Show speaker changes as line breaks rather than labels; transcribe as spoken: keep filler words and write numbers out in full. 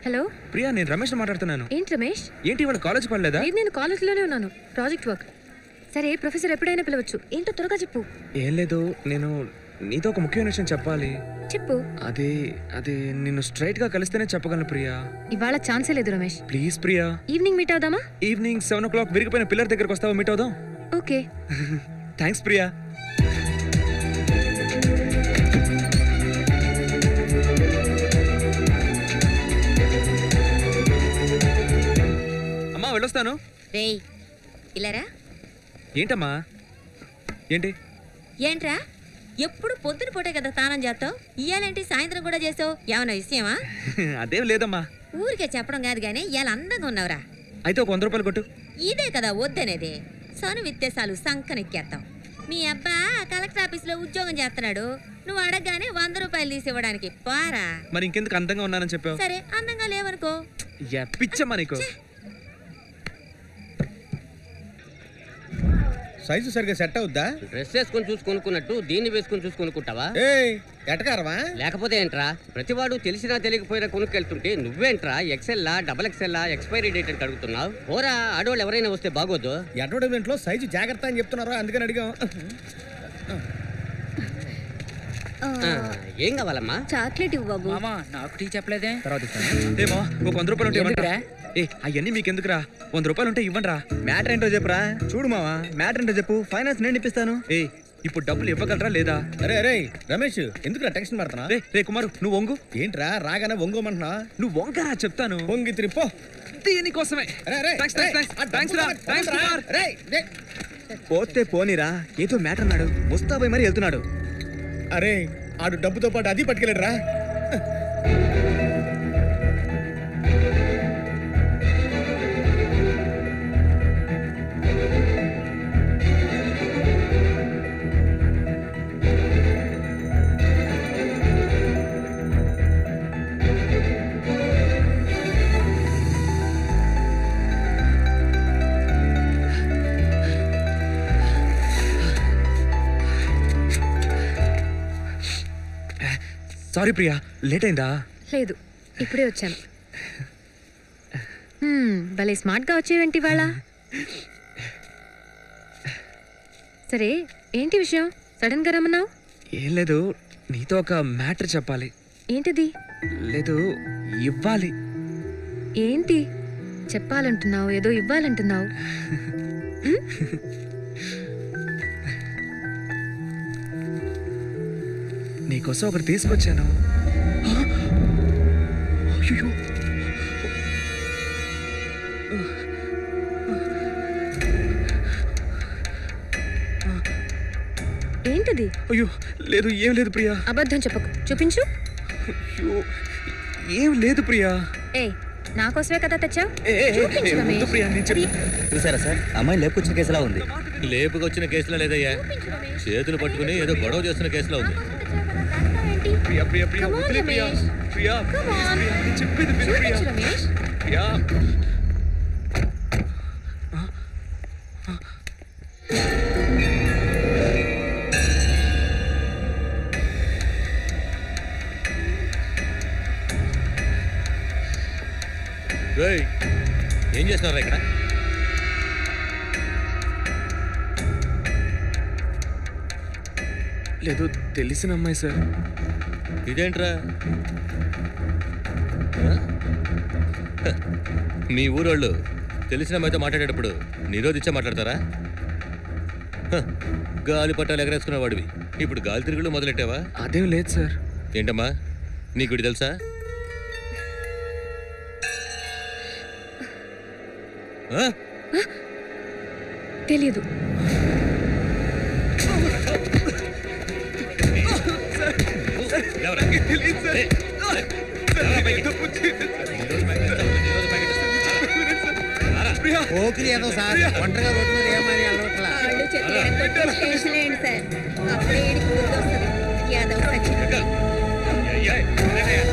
Hello
Priya, నేను రమేష్ మాట్లాడుతున్నాను.
ఏంటి రమేష్?
ఏంటి ఇవాళ కాలేజ్ పడలేదా?
లేదు, నేను కాలేజ్లోనే ఉన్నాను, ప్రాజెక్ట్ వర్క్. సరే, ప్రొఫెసర్ ఎప్పుడైనా పిలవచ్చు. ఏంటో త్వరగా చెప్పు.
ఏం లేదు, నేను నీతో ఒక ముఖ్యమైన విషయం చెప్పాలి.
చెప్పు.
అది అది నిన్ను స్ట్రైట్ గా కలిస్తేనే చెప్పగలను ప్రియా.
ఇవాళ ఛాన్సే లేదు Ramesh.
Please Priya.
Evening meet అవుదామా?
ఈవినింగ్ సెవెన్ ఓ క్లాక్ విరిగిపోయిన పిల్లర్ దగ్గరకు వస్తావా? మీట్ అవుదాం.
ఓకే.
థ్యాంక్స్ ప్రియా. అమ్మా వెళ్ళొస్తాను.
రేయ్ ఇలారా.
ఏంటమ్మా? ఏంటి
ఏంట్రా, ఎప్పుడు పొద్దున పూటే కదా స్నానం చేస్తావు, ఇయ్యాలేంటి సాయంత్రం కూడా చేసావు? ఏమన్నా విషయమా?
అదేం లేదమ్మా.
ఊరికే చెప్పడం కాదు గానీ ఇవాళ అందంగా ఉన్నావురా.
అయితే ఒక వంద రూపాయలు కొట్టు.
ఇదే కదా వద్దనేది. సను విత్తేసాలు సంకనెక్కేస్తాం. మీ అబ్బా కలెక్టర్ ఆఫీస్ లో ఉద్యోగం చేస్తున్నాడు, నువ్వు అడగగానే వంద రూపాయలు తీసి ఇవ్వడానికి పారా.
మరి ఇంకెందుకు అందంగా ఉన్నానని చెప్పావు?
సరే, అందంగా లేవనుకో.
పిచ్చమ్మా నీకు.
సైజు సరిగ్గా సెట్ అవుద్దా?
డ్రెస్ వేసుకొని చూసి కొనుక్కున్నట్టు దీన్ని వేసుకొని చూసి కొనుక్కుంటావా?
ఎటకారమా?
లేకపోతే ఏంట్రా, ప్రతివాడు తెలిసినా తెలియకపోయినా కొనుక్కెళ్తుంటే నువ్వేంట్రా ఎక్సెల్లా డబల్ ఎక్సెల్లా ఎక్స్పైరీ డేట్ అని అడుగుతున్నావు? ఓరా, ఆడోళ్ళు ఎవరైనా వస్తే బాగోదు.
అడ్వర్టైజ్మెంట్ లో సైజు జాగ్రత్త అని చెప్తున్నారు, అందుకని అడిగాం.
ఏం కావాలమ్మా?
చాక్లెట్ ఇవ్వు బాబు.
మామా నాకు టీ చెప్పలేదే.
తర్వాత ఏమో ఒక వంద రూపాయలు ఉంటే ఇవ్వండిరా. ఏ అవన్నీ మీకు ఎందుకురా? వంద రూపాయలు ఉంటే ఇవ్వండి రా.
మ్యాటర్ ఏంటో చెప్పురా. చూడు మావా, మ్యాటర్ ఏంటో చెప్పు, ఫైనాన్స్ నేను ఇప్పిస్తాను.
ఏ ఇప్పుడు డబ్బులు ఇవ్వగలరా లేదా?
అరే అరే రమేష్, ఎందుకురా టెన్షన్ పడుతున్నా?
రే రే కుమారు, నువ్వు వంగు.
ఏంట్రా రాగానే వంగోమంటున్నా?
నువ్వు వంగరా చెప్తాను.
వంగి తిరిపో.
దీనికోసమే.
పోతే పోనీరా, ఏదో మ్యాటర్ అన్నాడు, ముస్తాబై మరి వెళ్తున్నాడు.
అరే ఆడు డబ్బుతో పాటు అది పట్టుకెళ్ళాడు రా.
సారీ ప్రియా, లేట్ అయిందా?
లేదు, ఇప్పుడే వచ్చాను. భలే స్మార్ట్గా వచ్చేవేంటి ఇవాళ. సరే, ఏంటి విషయం? సడన్ గా రమ్మన్నావు?
ఏం లేదు, నీతో ఒక మ్యాటర్ చెప్పాలి.
ఏంటిది?
లేదు, ఇవ్వాలి.
ఏంటి చెప్పాలంటున్నావు? ఏదో ఇవ్వాలంటున్నావు.
నీకోసం ఒకటి తీసుకొచ్చాను. అయ్యో,
ఏంటిది?
అయ్యో లేదు, ఏం లేదు ప్రియా.
అబద్ధం చెప్పకు, చూపించు.
అయ్యో ఏం లేదు ప్రియా.
ఏ నా కోసమే కదా తెచ్చావు?
చూసారా సార్, అమ్మాయి లేపుకొచ్చిన కేసులా ఉంది.
లేపుకొచ్చిన కేసులో లేదయ్యా, చేతులు పట్టుకుని ఏదో గొడవ చేస్తున్న కేసులో ఉంది.
ప్రియా ప్రియా ప్రియా వదిలే ప్రియా. ప్రియా చెప్పేది విను ప్రియా. ప్రియా
ఏం చేస్తున్నారా ఇక్కడ?
లేదు, తెలిసిన అమ్మాయి సార్.
ఇదేంట్రా, మీ ఊరోళ్ళు తెలిసిన అమ్మాయితో మాట్లాడేటప్పుడు నిరోధించే మాట్లాడతారా? గాలి పట్టాలు ఎగరేసుకునే వాడివి ఇప్పుడు గాలి తిరుగులు మొదలెట్టావా?
అదేం లేదు సార్.
ఏంటమ్మా, నీకు ఇది తెలుసా?
తెలీదు.
ఓకే ఏదో సార్, ఒంటరిగా రోడ్డు మీద ఏమని అలవట్లా.
సార్ అప్పుడే